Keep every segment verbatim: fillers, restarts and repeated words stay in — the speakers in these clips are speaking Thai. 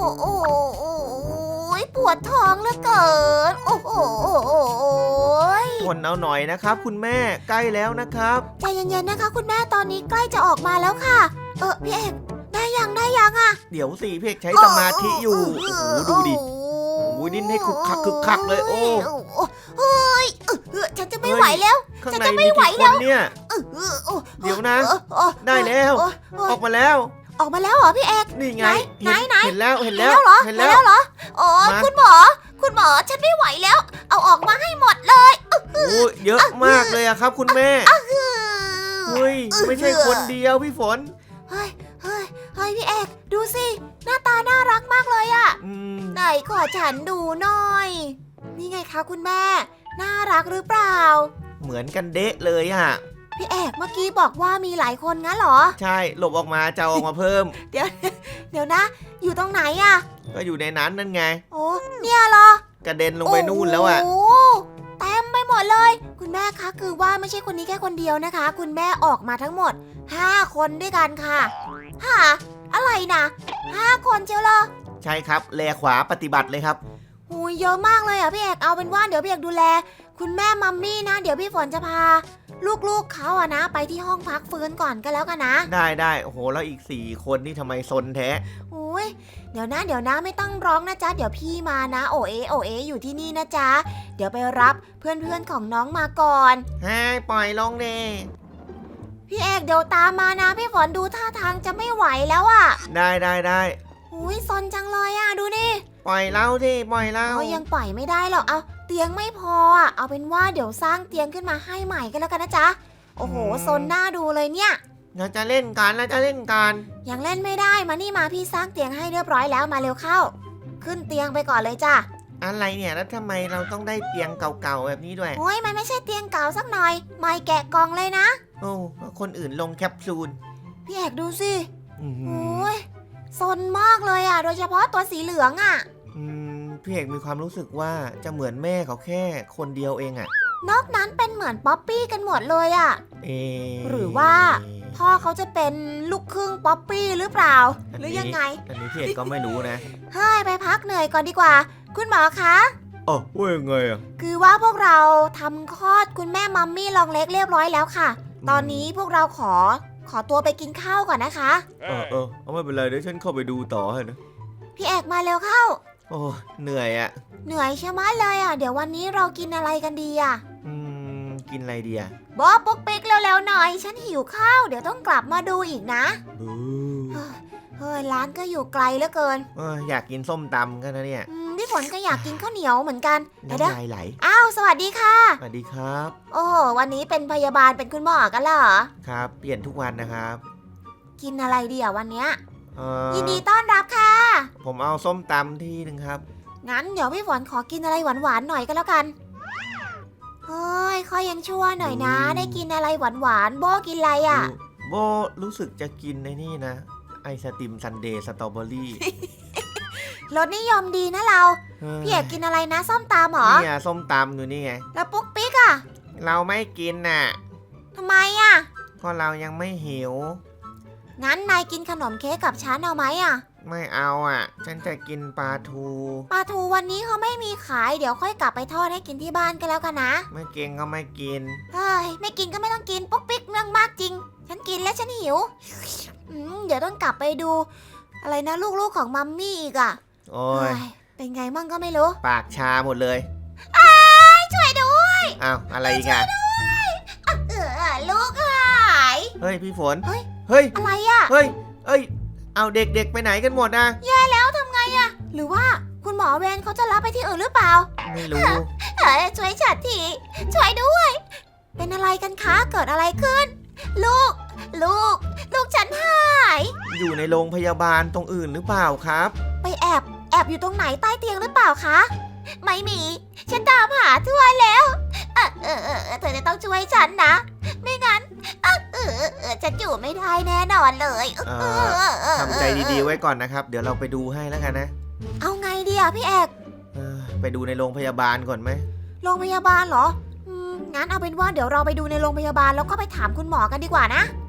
โอ้ยปวดท้องเหลือเกินโอ้โหทนเอาหน่อยนะครับคุณแม่ใกล้แล้วนะครับใจเย็นๆนะคะคุณแม่ตอนนี้ใกล้จะออกมาแล้วค่ะเออพี่เอกได้ยังได้ยังอะเดี๋ยวสิพี่เอกใช้สมาธิอยู่โอ้โหดูดิโอ้ยดิ้นให้คึกคักคึกคักเลยโอ้เฮ้ยฉันจะไม่ไหวแล้วข้างในมีกี่คนเนี่ยเดี๋ยวนะได้แล้วออกมาแล้วออกมาแล้วเหรอพี่เอกนี่ไงไหนไหนเห็นแล้วเห็นแล้วเห็นแล้วเหรอโอ้คุณหมอคุณหมอฉันไม่ไหวแล้วเอาออกมาให้หมดเลยโอ้เยอะมากเลยอะครับคุณแม่เฮ้ยไม่ใช่คนเดียวพี่ฝนเฮ้ยเฮ้ยเฮ้ยพี่เอกดูสิหน้าตาน่ารักมากเลยอะไหนขอฉันดูหน่อยนี่ไงคะคุณแม่น่ารักหรือเปล่าเหมือนกันเดะเลยอะพี่เอกเมื่อกี้บอกว่ามีหลายคนงั้นเหรอใช่หลบออกมาจะออกมาเพิ่มเดี๋ยวเดี๋ยวนะอยู่ตรงไหนอะก็อยู่ในนั้นนั่นไงโอ้เนี่ยเหรอกระเด็นลงไปนู่นแล้วอะโอ้เต็มไปหมดเลยคุณแม่คะคือว่าไม่ใช่คนนี้แค่คนเดียวนะคะคุณแม่ออกมาทั้งหมดห้าคนด้วยกันค่ะฮะอะไรนะห้าคนเจียวเหรอใช่ครับแลขวาปฏิบัติเลยครับหูยเยอะมากเลยอ่ะพี่เอกเอาเป็นว่าเดี๋ยวพี่เอกดูแลคุณแม่มัมมี่นะเดี๋ยวพี่ฝนจะพาลูกๆเขาอะนะไปที่ห้องพักฟื้นก่อนก็แล้วกันนะได้ได้โอ้โหแล้วอีกสี่คนนี่ทำไมซนแท้โอ้ยเดี๋ยวนะเดี๋ยวนะไม่ต้องร้องนะจ๊ะเดี๋ยวพี่มานะโอเอโอเออยู่ที่นี่นะจ๊ะเดี๋ยวไปรับเพื่อนๆของน้องมาก่อนให้ปล่อยลงเดพี่เอกเดี๋ยวตามมานะพี่ฝนดูท่าทางจะไม่ไหวแล้วอะได้ได้ได้อุ้ยซนจังเลยอะดูนี่ปล่อยเล่าดิปล่อยเล่าเขายังปล่อยไม่ได้หรอกเอาเตียงไม่พออะเอาเป็นว่าเดี๋ยวสร้างเตียงขึ้นมาให้ใหม่กันแล้วกันนะจ๊ะโอ้โหซนหน้าดูเลยเนี่ยเราจะเล่นกันเราจะเล่นกันยังเล่นไม่ได้มานี่มาพี่สร้างเตียงให้เรียบร้อยแล้วมาเร็วเข้าขึ้นเตียงไปก่อนเลยจ้ะอะไรเนี่ยแล้วทำไมเราต้องได้เตียงเก่าๆแบบนี้ด้วยโอ้ยมันไม่ใช่เตียงเก่าสักหน่อยไม่แกะกล่องเลยนะโอ้คนอื่นลงแคปซูลพี่เอกดูสิโอ้ยซนมากเลยอ่ะโดยเฉพาะตัวสีเหลืองอ่ะอืมพี่เอกมีความรู้สึกว่าจะเหมือนแม่เขาแค่คนเดียวเองอ่ะนอกนั้นเป็นเหมือนป๊อปปี้กันหมดเลยอ่ะเอหรือว่าพ่อเขาจะเป็นลูกครึ่งป๊อปปี้หรือเปล่าหรือยังไงอันนี้พี่เอกก็ไม่รู้นะเฮ้ยไปพักเหนื่อยก่อนดีกว่าคุณหมอคะอ๋อว่ายังไงอ่ะคือว่าพวกเราทำคลอดคุณแม่มัมมี่ลองเล็กเรียบร้อยแล้วค่ะตอนนี้พวกเราขอขอตัวไปกินข้าวก่อนนะคะเออเออเอาไม่เป็นไรเดี๋ยวฉันเข้าไปดูต่อให้นะพี่เอกมาเร็วเข้าโอ้เหนื่อยอ่ะเหนื่อยใช่ไหมเลยอ่ะเดี๋ยววันนี้เรากินอะไรกันดีอ่ะอืมกินอะไรดีอ่ะบอปุ๊กปิ๊กเร็วๆหน่อยฉันหิวข้าวเดี๋ยวต้องกลับมาดูอีกนะเฮ้ยร้านก็อยู่ไกลเหลือเกินเอออยากกินส้มตำกันนะเนี่ยพี่ฝนก็อยากกินข้าวเหนียวเหมือนกันน้ำลายไหลอ้าวสวัสดีค่ะสวัสดีครับโอ้วันนี้เป็นพยาบาลเป็นคุณหมอกันเหรอครับเปลี่ยนทุกวันนะครับกินอะไรดีอ่ะวันเนี้ยยินดีต้อนรับค่ะผมเอาส้มตำที่หนึ่งครับงั้นเดี๋ยวพี่ฝนขอกินอะไรหวานๆหน่อยก็แล้วกันเฮ้ยค่อยยังชั่วหน่อยนะได้กินอะไรหวานๆโบกินอะไรอ่ะโบรู้สึกจะกินในนี่นะไอศติมซันเดย์สตรอเบอรี่รสนิยมดีนะเราพี่เอกกินอะไรนะส้มตำหรอนี่ส้มตำอยู่นี่ไงแล้วปุ๊กปิ๊กอ่ะเราไม่กินน่ะทำไมอ่ะก็เรายังไม่หิวงั้นนายกินขนมเค้กกับฉันเอาไหมอ่ะไม่เอาอ่ะฉันจะกินปลาทูปลาทูวันนี้เขาไม่มีขายเดี๋ยวค่อยกลับไปทอดให้กินที่บ้านก็แล้วกันนะไม่กินก็ไม่กินเฮ้ยไม่กินก็ไม่ต้องกินปุ๊กปิ๊กเรื่องมากจริงฉันกินแล้วฉันหิวอืมเดี๋ยวต้องกลับไปดูอะไรนะลูกๆของมัมมี่อีกอ่ะโอ้ยเป็นไงมั่งก็ไม่รู้ปากชาหมดเลยอ้ายช่วยด้วยอ้าวอะไรอีกอ่ะเออลูกหายเฮ้ยพี่ฝนเฮ้ยเฮ้ยอะไรอ่ะเฮ้ยเอ้ยเอาเด็กๆไปไหนกันหมดนะแย่แล้วทำไงอ่ะหรือว่าคุณหมอเวรเขาจะรับไปที่อื่นหรือเปล่าไม่รู้เฮ้ยช่วยฉันทีช่วยด้วยเป็นอะไรกันคะเกิดอะไรขึ้นลูกลูกลูกฉันหายอยู่ในโรงพยาบาลตรงอื่นหรือเปล่าครับไปแอบแอบอยู่ตรงไหนใต้เตียงหรือเปล่าคะไม่มีฉันตามหาทั่วแล้วเออเออเออเธอจะต้องช่วยฉันนะไม่งั้นเออเออเออฉันอยู่ไม่ได้แน่นอนเลยทำใจดีๆไว้ก่อนนะครับเดี๋ยวเราไปดูให้แล้วกันนะเอาไงดีอ่ะพี่เอกไปดูในโรงพยาบาลก่อนไหมโรงพยาบาลเหรองั้นเอาเป็นว่าเดี๋ยวเราไปดูในโรงพยาบาลแล้วก็ไปถามคุณหมอกันดีกว่านะ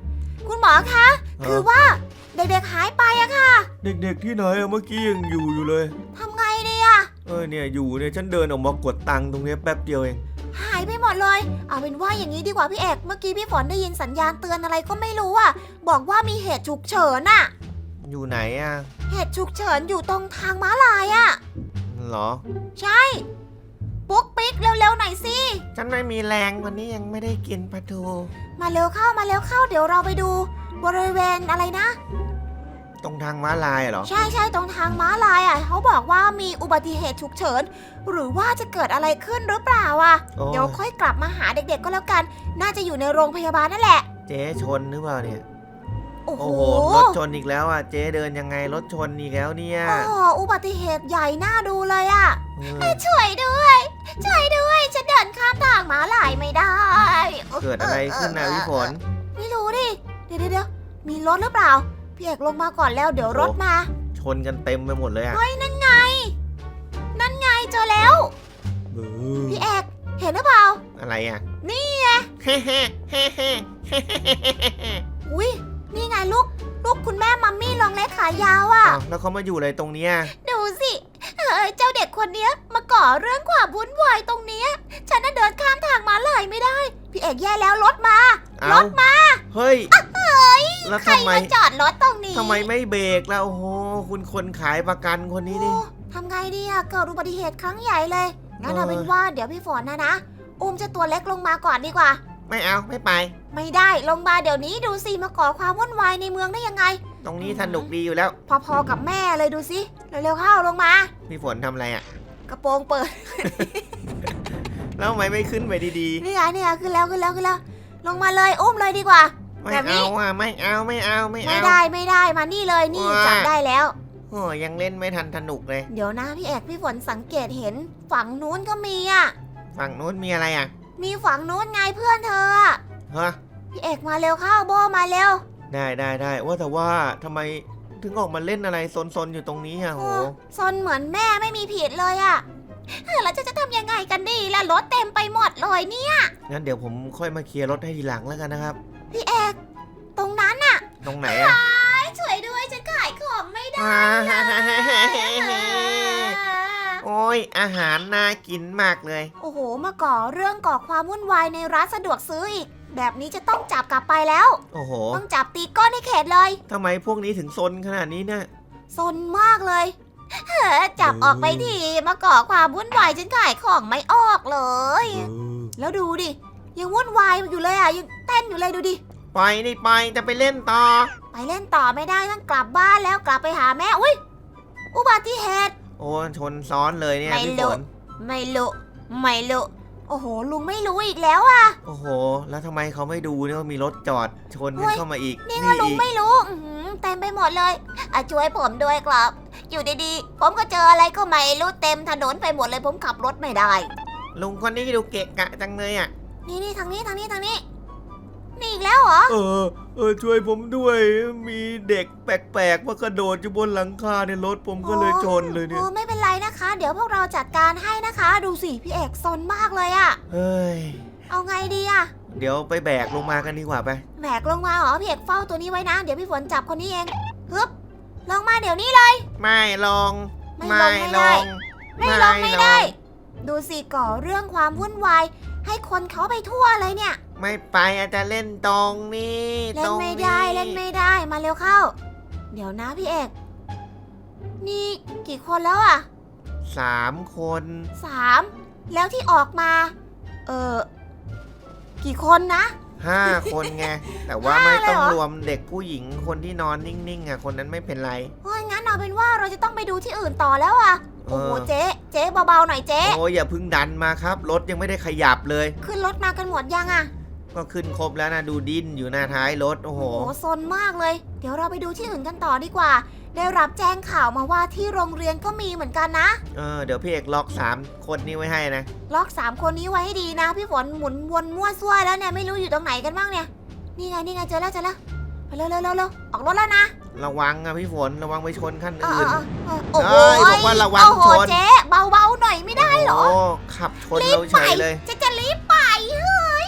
คุณหมอคะคือว่าเด็กๆหายไปอะค่ะเด็กๆที่ไหนอะเมื่อกี้ยังอยู่อยู่เลยทำไงดีอะเออเนี่ยอยู่เนี่ยฉันเดินออกมากดตังค์ตรงเนี้ยแป๊บเดียวเองหายไปหมดเลย เอาเป็นว่าอย่างนี้ดีกว่าพี่เอกเมื่อกี้พี่ฝนได้ยินสัญญาณเตือนอะไรก็ไม่รู้อะบอกว่ามีเหตุฉุกเฉินอะอยู่ไหนอะเหตุฉุกเฉินอยู่ตรงทางม้าลายอะเหรอใช่ปุ๊กปิ๊กเร็วๆหน่อยสิฉันไม่มีแรงวันนี้ยังไม่ได้กินปลาทูมาเร็วเข้ามาเร็วเข้าเดี๋ยวเราไปดูบริเวณอะไรนะตรงทางม้าลายเหรอใช่ใช่ตรงทางม้าลายอ่ะเขาบอกว่ามีอุบัติเหตุฉุกเฉินหรือว่าจะเกิดอะไรขึ้นหรือเปล่าอ่ะโอ้เดี๋ยวค่อยกลับมาหาเด็กๆก็แล้วกัน น่าจะอยู่ในโรงพยาบาลนั่นแหละเจ๊ชนหรือเปล่าเนี่ยโอ้โหโอ้โหรถชนอีกแล้วอ่ะเจ๊เดินยังไงรถชนอีกแล้วเนี่ยโอ้โหอุบัติเหตุใหญ่น่าดูเลยอ่ะเออช่วยด้วย ช่วยด้วยฉันเดินข้ามทางม้าลายไม่ได้เกิดอะไรขึ้นนะพี่ฝนไม่รู้ดิเดี๋ยวเดี๋ยวมีรถหรือเปล่าพี่เอกลงมาก่อนแล้วเดี๋ยวรถมาชนกันเต็มไปหมดเลยอ่ะเฮ้ยนั่นไง นั่นไงเจอแล้วเออพี่เอกเห็นหรือเปล่าอะไรอ่ะนี่เฮ้เฮ้เฮ้เฮ้อุ้ยนี่ไงลูก ลูกคุณแม่มัมมี่ลองเล็กขายาวอ่ะอ้าวแล้วเขามาอยู่อะไรตรงเนี้ยดูสิเฮ้ยเจ้าเด็กคนเนี้ยมาก่อเรื่องความวุ่นวายตรงเนี้ยฉันน่ะเดินข้ามทางม้าลายไม่ได้ พี่เอกแย่แล้วรถมาเอ้ารถมาเฮ้ยแล้วใครทำไมมาจอดรถตรงนี้ทำไมไม่เบรกแล้วโอ้โหคุณคนขายประกันคนนี้นี่โอ้ทำไงดีอะเกิดอุบัติเหตุครั้งใหญ่เลยงั้นเอาเออเป็นว่าเดี๋ยวพี่ฝนนะนะอุ้มเจ้าตัวเล็กลงมาก่อนดีกว่าไม่เอาไม่ไปไม่ได้ลงมาเดี๋ยวนี้ดูสิมาก่อความวุ่นวายในเมืองได้ยังไงตรงนี้สนุกดีอยู่แล้วพอๆกับแม่เลยดูสิเร็วๆเข้าลงมาพี่ฝนทำอะไรอ่ะกระโปรงเปิดแล้วทำไมไม่ขึ้นไปดีนี่ไงนี่ไงขึ้นแล้วขึ้นแล้วขึ้นแล้ว ลงมาเลยอุ้มเลยดีกว่าๆ ไม่แบบนี้เอาอ่ะไม่เอาไม่เอาไม่ไม่เอาได้ไม่ได้มานี่เลยนี่ว้าจับได้แล้วโอ้ยังเล่นไม่ทันสนุกเลยเดี๋ยวนะพี่เอกพี่ฝนสังเกตเห็นฝั่งนู้นก็มีอ่ะฝั่งนู้นมีอะไรอ่ะมีฝั่งนู้นไงเพื่อนเธออะฮะพี่เอกมาเร็วเข้าโบมาเร็วได้ได้ได้ว่าแต่ว่าทำไมถึงออกมาเล่นอะไรซนๆอยู่ตรงนี้อ่ะโหโอ้ซนเหมือนแม่ไม่มีผิดเลยอ่ะเออแล้วจะจะทำยังไงกันดีล่ะรถเต็มไปหมดเลยเนี่ยงั้นเดี๋ยวผมค่อยมาเคลียร์รถให้ทีหลังแล้วกันนะครับพี่เอกตรงนั้นน่ะตรงไหนอ่ะช่วยด้วยฉันขายของไม่ได้อ่าโอ้ยอาหารน่ากินมากเลยโอ้โห มาก่อเรื่องก่อความวุ่นวายในร้านสะดวกซื้ออีก แบบนี้จะต้องจับกลับไปแล้วโอ้โหต้องจับตีก้อนให้เข็ดเลยทำไมพวกนี้ถึงซนขนาดนี้เนี่ยซนมากเลยเฮ้อจับออกไปทีมาก่อความวุ่นวายฉันขายของไม่ออกเลย แล้วดูดิ ยังวุ่นวายอยู่เลยอ่ะ ยังเต้นอยู่เลยดูดิไปนี่ไปจะไปเล่นต่อไปเล่นต่อไม่ได้ต้องกลับบ้านแล้วกลับไปหาแม่ อุ้ย อุบัติเหตุโอ้ชนซ้อนเลยเนี่ยไม่พี่รู้ฝนไม่รู้ไม่รู้โอ้โห ลุงไม่รู้อีกแล้วอ่ะโอ้โห แล้วทำไมเขาไม่ดูเนี่ยว่ามีรถจอดชนเฮ้กันยเข้ามาอีกนี่ก็ลุงอีกไม่รู้อื้อหือเต็มไปหมดเลยอะช่วยผมด้วยครับ อยู่ดีๆ ผมก็เจออะไรก็ไม่รู้เต็มถนนไปหมดเลยผมขับรถไม่ได้ลุงคนนี้ดูเกะกะจังเลยอ่ะนี่นี่ทางนี้ทางนี้ทางนี้ นี่อีกแล้วเหรอเออ เออช่วยผมด้วย มีเด็กแปลกๆมากระโดดอยู่บนหลังคาในรถผมก็เลยชนเลยเนี่ยโอ้ไม่เป็นไรนะคะ เดี๋ยวพวกเราจัดการให้นะคะ ดูสิพี่เอกซนมากเลยอะเฮ้ยเอาไงดีอะเดี๋ยวไปแบกลงมากันดีกว่าไปแบกลงมาเหรอพี่เอกเฝ้าตัวนี้ไว้นะ เดี๋ยวพี่ฝนจับคนนี้เองฮึบลงมาเดี๋ยวนี้เลยไม่ลงไม่ลงไม่ได้ ไม่ลงไม่ได้ ดูสิก่อเรื่องความวุ่นวายให้คนเขาไปทั่วเลยเนี่ยไม่ไปอาจจะเล่นตรงนี้เล่ตนรงไม่นี้ได้เล่นไม่ได้มาเร็วเข้า เดี๋ยวนะพี่เอกนี่กี่คนแล้วอะสามคนสามแล้วที่ออกมา เออกี่คนนะห้าคนไง แต่ว่าห้าไม่เลยต้องเหรอรวมเด็กผู้หญิงคนที่นอนนิ่งๆอ่ะคนนั้นไม่เป็นไรเพราะงั้นเอาเป็นว่าเราจะต้องไปดูที่อื่นต่อแล้วอะเออโอ้โหเจ๊เจ๊เบาๆหน่อยเจ๊โอ้ยอย่าเพึ่งดันมาครับ รถยังไม่ได้ขยับเลยขึ้นรถมากันหมดยังอะก็ขึ้นครบแล้วนะดูดิ้นอยู่หน้าท้ายรถโอ้โหโอ้โหซนมากเลย เดี๋ยวเราไปดูที่อื่นกันต่อดีกว่า ได้รับแจ้งข่าวมาว่าที่โรงเรียนก็มีเหมือนกันนะเออเดี๋ยวพี่เอกล็อกสามคนนี้ไว้ให้นะล็อกสามคนนี้ไว้ให้ดีนะ พี่ฝนหมุนวนมั่วซั่วแล้วเนี่ยไม่รู้อยู่ตรงไหนกันบ้างเนี่ย นี่ไงนี่ไงเจอแล้วเจอแล้วไปเร็วเร็วเร็วเร็วออกรถแล้วนะระวังอะพี่ฝนระวังไปชนคันเอออื่นเออเออโอ้โหเอ้ยบอกว่าระวังโอ้โหชนเจ๊เบาๆหน่อยไม่ได้เหรอโอ้ขับชนเราเฉยเลยจะจะรีบไปเฮ้ย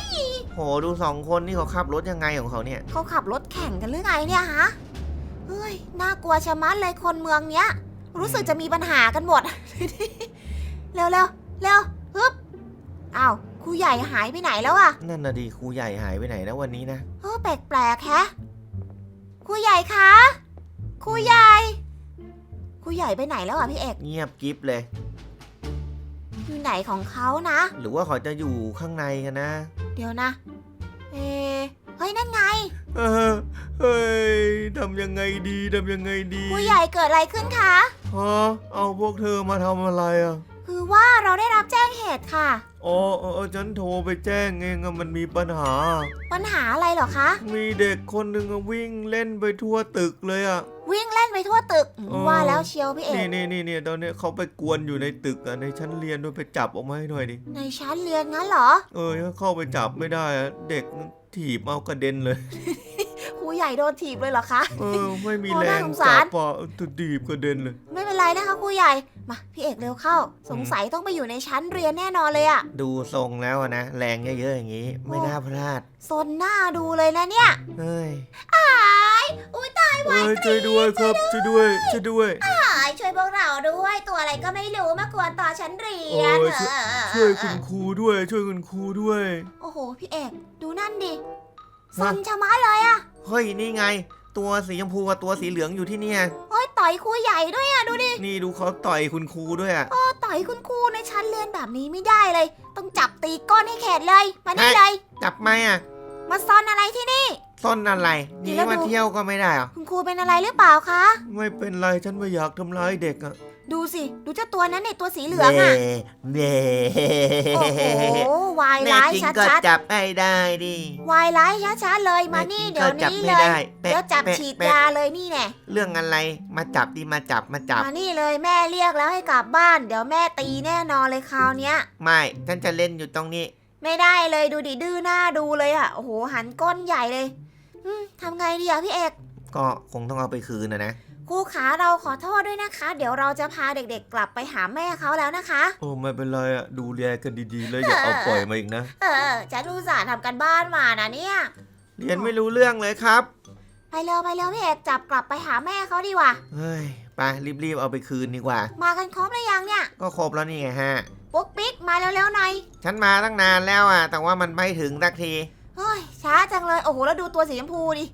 โหดูสองคนนี่เขาขับรถยังไงของเขาเนี่ยเขาขับรถแข่งกันหรือไงเนี่ยฮะ เฮ้ย น่ากลัวชะมัดเลยคนเมืองเนี้ย รู้สึกจะมีปัญหากันหมด เร็วเร็วเร็วฮึบอ้าวครูใหญ่หายไปไหนแล้วอะนั่นน่ะดิครูใหญ่หายไปไหนนะวันนี้นะเออแปลกๆแฮะครูใหญ่คะครูใหญ่ครูใหญ่ไปไหนแล้วอะพี่เอกเงียบกิ๊บเลยอยู่ไหนของเขานะหรือว่าเขาจะอยู่ข้างในกันนะเดี๋ยวนะ เอะเฮ้ยนั่นไงเออเฮ้ยทำยังไงดีทำยังไงดีครูใหญ่เกิดอะไรขึ้นคะฮะเอาพวกเธอมาทำอะไรอ่ะคือว่าเราได้รับแจ้งเหตุค่ะอ๋อเออเออฉันโทรไปแจ้งเองอะมันมีปัญหาปัญหาอะไรเหรอคะมีเด็กคนหนึ่งอะวิ่งเล่นไปทั่วตึกเลยอ่ะวิ่งเล่นไปทั่วตึกเออว่าแล้วเชียวพี่เอกนี่นี่นี่นี่ตอนนี้เขาไปกวนอยู่ในตึกอ่ะในชั้นเรียนด้วยไปจับออกมาให้หน่อยดิในชั้นเรียนงั้นเหรอเออถ้าเข้าไปจับไม่ได้อะเด็กถีบเอากระเด็นเลยครูใหญ่โดนถีบเลยเหรอคะเออไม่มีโอ้แรน่าง สงจัสารบอ่ะถูกถีบกระเด็นเลยไม่เป็นไรนะคะครูใหญ่ มาพี่เอกเร็วเข้า สงสัยต้องไปอยู่ในชั้นเรียนแน่นอนเลยอะดูทรงแล้วอะนะแรงเยอะๆอย่างนี้ ไม่น่าพลาดซนหน้าดูเลยนะเนี่ยเฮ้ยอ้ายอุ้ยตายเอ้ยช่วยด้วยครับช่วยด้วยช่วยด้วยตายช่วยพวกเราด้วย ตัวอะไรก็ไม่รู้มากวนต่อชั้นเรียนโอ้ยเออช่วยคุณครูด้วย ช่วยคุณครูด้วยโอ้โหพี่เอกดูนั่นดิซฮะนชะมัดเลยอะเฮ้ยนี่ไง ตัวสีชมพูกับตัวสีเหลืองอยู่ที่เนี่ยโอ้ยต่อยครูใหญ่ด้วยอะดูดินี่ดูเขาต่อยคุณครูด้วยอ่ะโอ้ต่อยคุณครูในชั้นเรียนแบบนี้ไม่ได้เลย ต้องจับตีก้นให้เข็ดเลย มานี่ฮะเลยจับไหมอ่ะมาซ่อนอะไรที่นี่ซ่อนอะไรเดี๋นี่ยวเรามาดูเที่ยวก็ไม่ได้เหรอคุณครูเป็นอะไรหรือเปล่าคะไม่เป็นไรฉันไม่อยากทำร้ายเด็กอ่ะดูสิ ดูเจ้าตัวนั้นในตัวสีเหลืองอะเน่โอ้โหวายแน่ร้ายจริงชัก็ดจับให้ได้ดิๆวายร้ายชัดๆเลย มานี่แน่จริงเดี๋ยวก็จับนี้ไม่เลยได้แปะเดี๋ยวจับแปะฉีดแปะยาเลยนี่แน่เรื่องอะไรมาจับดิมาจับมาจับมานี่เลยแม่เรียกแล้วให้กลับบ้าน เดี๋ยวแม่ตีแน่นอนเลยคราวเนี้ยไม่ฉันจะเล่นอยู่ตรงนี้ไม่ได้เลยดูดิดื้อหน้าดูเลยอะโอ้โหหันก้นใหญ่เลยอืมทำไงดีอะพี่เอกก็คงต้องเอาไปคืนนะนะครูขาเราขอโทษด้วยนะคะ เดี๋ยวเราจะพาเด็กๆ กลับไปหาแม่เขาแล้วนะคะโอ้ไม่เป็นไรอ่ะดูแลกันดีๆแล้วอย่าเอาปล่อยมาอีกนะเออจะดูสารทำกันบ้านมานะเนี่ยเรียนไม่รู้เรื่องเลยครับไปเร็วไปเร็วพี่เอกจับกลับไปหาแม่เขาดีกว่าเฮ้ยไปรีบๆเอาไปคืนดีกว่ามากันครบหรือยังเนี่ยก็ครบแล้วนี่ไงฮะปุ๊กปิ๊กมาเร็วๆหน่อยฉันมาตั้งนานแล้วอ่ะ แต่ว่ามันไม่ถึงสักทีเฮ้ยช้าจังเลยโอ้โหแล้วดูตัวสีชมพูดิ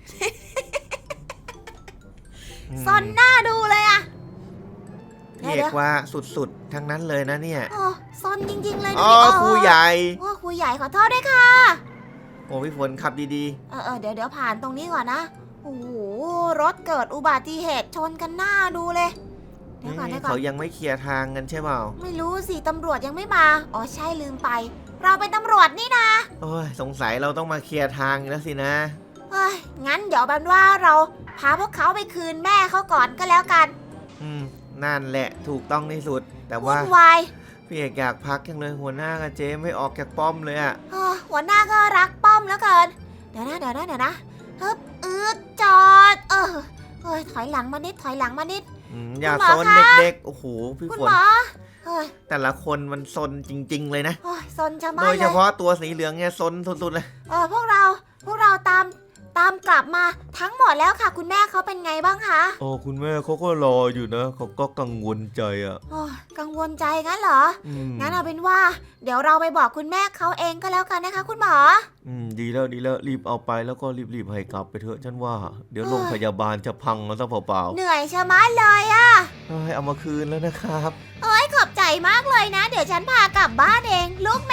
อืมซนหน้าดูเลยอะเรียกว่าสุดๆ ทั้งนั้นเลยนะเนี่ยโอ้ซนจริงๆเลยดูอ๋อดิครูใหญ่โอ้ครูใหญ่ขอโทษด้วยค่ะโอ้พี่ฝนขับดีเออเออเดี๋ยวเดี๋ยวผ่านตรงนี้ก่อนนะโอ้โหรถเกิดอุบัติเหตุชนกันหน้าดูเลยๆเดี๋ยวก่อนนี่เดี๋ยวก่อเขานยังไม่เคลียร์ทางกันใช่เปล่าไม่รู้สิตำรวจยังไม่มา อ๋อใช่ลืมไป เราเป็นตำรวจนี่นะโอ้ยสงสัยเราต้องมาเคลียร์ทางแล้วสินะเฮ้ยงั้นเดี๋ยวบันว่าเราพาพวกเขาไปคืนแม่เขาก่อนก็แล้วกันอืมนั่นแหละถูกต้องที่สุด แต่วุ่ว่านวายพี่เอกอยากพักจังเลยหัวหน้ากับเจ๊ไม่ออกจากป้อมเลยอ่ะเออหัวหน้าก็รักป้อมแล้วเกิน เดี๋ยวนะเดี๋ยวนะเดี๋ยวนะฮึบอืดจอด เออเฮ้ยถอยหลังมานิดถอยหลังมานิดอืมอย่าคุณหมอซนคะเด็กๆ โอ้โห พี่คุณฝหนมอเฮ้ยแต่ละคนมันซนจริง ๆ เลยนะโอ้ยซนจะมาโดยเลเฉยพาะตัวสีเหลืองเนี่ยซนสุดๆเลยเออพวกเราพวกเราตามตามกลับมาทั้งหมดแล้วค่ะ คุณแม่เขาเป็นไงบ้างคะโอ้คุณแม่เขาก็รออยู่นะเขาก็กังวลใจอ่ะโอ้ยกังวลใจงั้นเหรออืมงั้นเอาเป็นว่า เดี๋ยวเราไปบอกคุณแม่เขาเองก็แล้วกันนะคะ คุณหมออืมดีแล้วดีแล้วรีบเอาไปแล้วก็รีบๆให้กลับไปเถอะฉันว่า เดี๋ยวเอ้ยโรงพยาบาลจะพังแล้วซะเปล่าเหนื่อยชะมัดเลยอะๆเอ้ยเอามาคืนแล้วนะครับโอ้ยขอบใจมากเลยนะ เดี๋ยวฉันพากลับบ้านเอง ลูกแม่